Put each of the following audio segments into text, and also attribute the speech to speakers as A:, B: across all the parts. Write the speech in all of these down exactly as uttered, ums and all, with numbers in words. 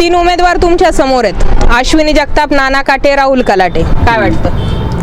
A: तीन उमेदवार तुमच्या समोर आहेत, अश्विनी जगताप, नाना काटे, राहुल कलाटे. काय वाटतं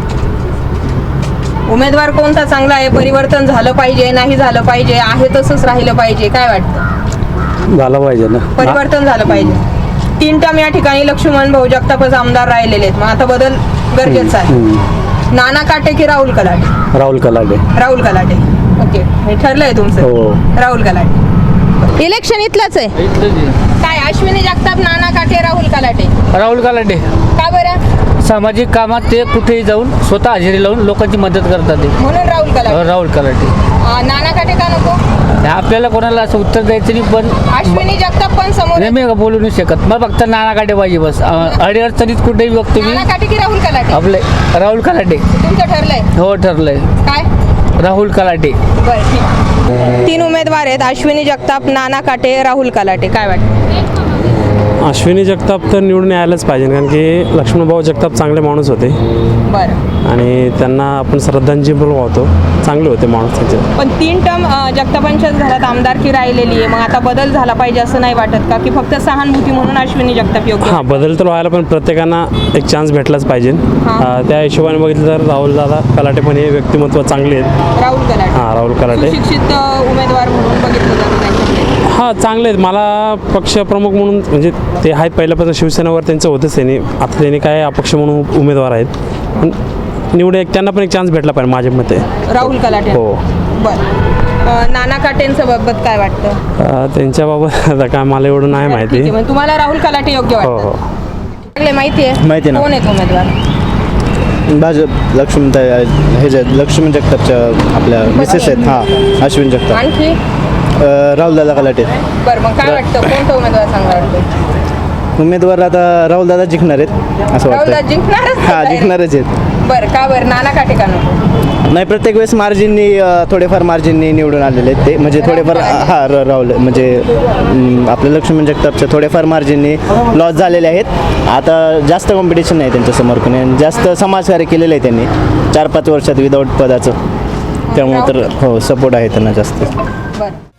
A: उमेदवार कोणता चांगला आहे? परिवर्तन झालं पाहिजे, नाही झालं पाहिजे, आहे तसंच राहिलं पाहिजे? काय वाटतं?
B: झालं पाहिजे ना,
A: परिवर्तन झालं पाहिजे. तीन टर्म या ठिकाणी लक्ष्मण भाऊ जगतापच आमदार राहिलेले आहेत, मग आता बदल गरजेचा आहे. नाना काटे की राहुल कलाटे?
B: राहुल कलाटे.
A: राहुल कलाटे. ओके, हे ठरलंय तुमचं?
B: हो.
A: राहुल कलाटे. इलेक्शन इथलंच आहे काय? अश्विनी जगताप, नाना काटे, राहुल कलाटे?
C: राहुल कलाटे.
A: का बरं?
C: सामाजिक कामात ते कुठेही जाऊन स्वतः हजेरी लावून लोकांची मदत करतात ते.
A: म्हणून राहुल कलाटे.
C: राहुल कलाटे.
A: अं, नाना काटे का नको?
C: आपल्याला कोणाला असं उत्तर द्यायचं नाही, पण
A: अश्विनी जगताप पण समोर
C: नाही,
A: आहेत.
C: मी बोलू नाही शकत. मला फक्त नाना काटे पाहिजे बस. अडीअडचणीत कुठेही बघतो मी.
A: नाना काटे की राहुल कलाटे?
C: आपले राहुल कलाटे.
A: तुमचं ठरलंय
C: हो, ठरलंय.
A: काय?
C: राहुल कलाटे.
A: बरं, ठीक. तीन उमेदवार आहेत, अश्विनी जगताप, नाना काटे, राहुल कलाटे. काय वाटतं?
B: अश्विनी जगताप तर निवडून यायलाच पाहिजे, कारण की लक्ष्मणभाऊ जगताप चांगले माणूस होते
A: बरं.
B: आणि त्यांना आपण श्रद्धांजली पण वाहतो. चांगले होते माणूस त्यांचे.
A: पण तीन टर्म जगतापांच्याच घरात आमदारकी राहिलेली आहे, मग आता बदल झाला पाहिजे असं नाही वाटत का? की फक्त सहानुभूती म्हणून अश्विनी जगताप योग्य?
B: हां, बदल तर व्हायला, पण प्रत्येकांना एक चान्स भेटलाच पाहिजे. अं, त्या हिशोबाने बघितलं तर राहुल दादा कलाटे पण हे व्यक्तिमत्व चांगले आहेत.
A: राहुल कलाटे.
B: हां, राहुल कलाटे
A: सुशिक्षित अ, उमेदवार म्हणून बघितलं जातं त्यांच्याकडे.
B: हां, चांगले आहेत. मला पक्षप्रमुख म्हणून म्हणजे ते आहेत पहिल्यापासून शिवसेनेवर त्यांचं होतंच. त्यांनी आता त्यांनी काय अपक्ष म्हणून उमेदवार आहेत, पण निवड एक त्यांना पण एक चान्स भेटला पाहिजे माझ्या मते.
A: राहुल कलाटे.
B: हो.
A: बरं. अ, नाना काटेंच्या बाबत काय वाटतं?
B: अं, त्यांच्याबाबत आता काय मला एवढं नाही
A: ठीक
B: माहिती.
A: आहे, मग तुम्हाला राहुल कलाटे योग्य
B: हो
A: वाटतं?
B: हो.
A: चांगले माहिती आहे?
D: माहिती आहे ना.
A: कोण आहेत उमेदवार?
D: भाजप लक्ष्मण हे जे लक्ष्मण जगतापच्या आपल्या मिसेस आहेत. हां, अश्विन जगताप.
A: आणखी?
D: राहुल दादा कलाटे.
A: बरं, मग काय वाटतं कोणता उमेदवार चांगला वाटतो?
D: उमेदवार आता राहुल दादा जिंकणार आहेत असं
A: राहुल
D: वाटतं.
A: जिंकणारच?
D: हां, जिंकणारच आहेत.
A: बरं, का बरं? नाना काटे का नको?
D: नाही, प्रत्येक वेळेस मार्जिननी थोडेफार मार्जिननी निवडून आलेले आहेत ते, म्हणजे थोडेफार हां र- राहुल म्हणजे अं, आपल्या लक्ष्मण जगतापच्या थोडेफार मार्जिननी लॉस झालेले आहेत. आता जास्त कॉम्पिटिशन नाही त्यांच्यासमोर, पण जास्त समाजकार्य केलेलं आहे त्यांनी चार पाच वर्षात विदाऊट पदाचं, त्यामुळे तर हो सपोर्ट आहे त्यांना जास्त.
A: बरं.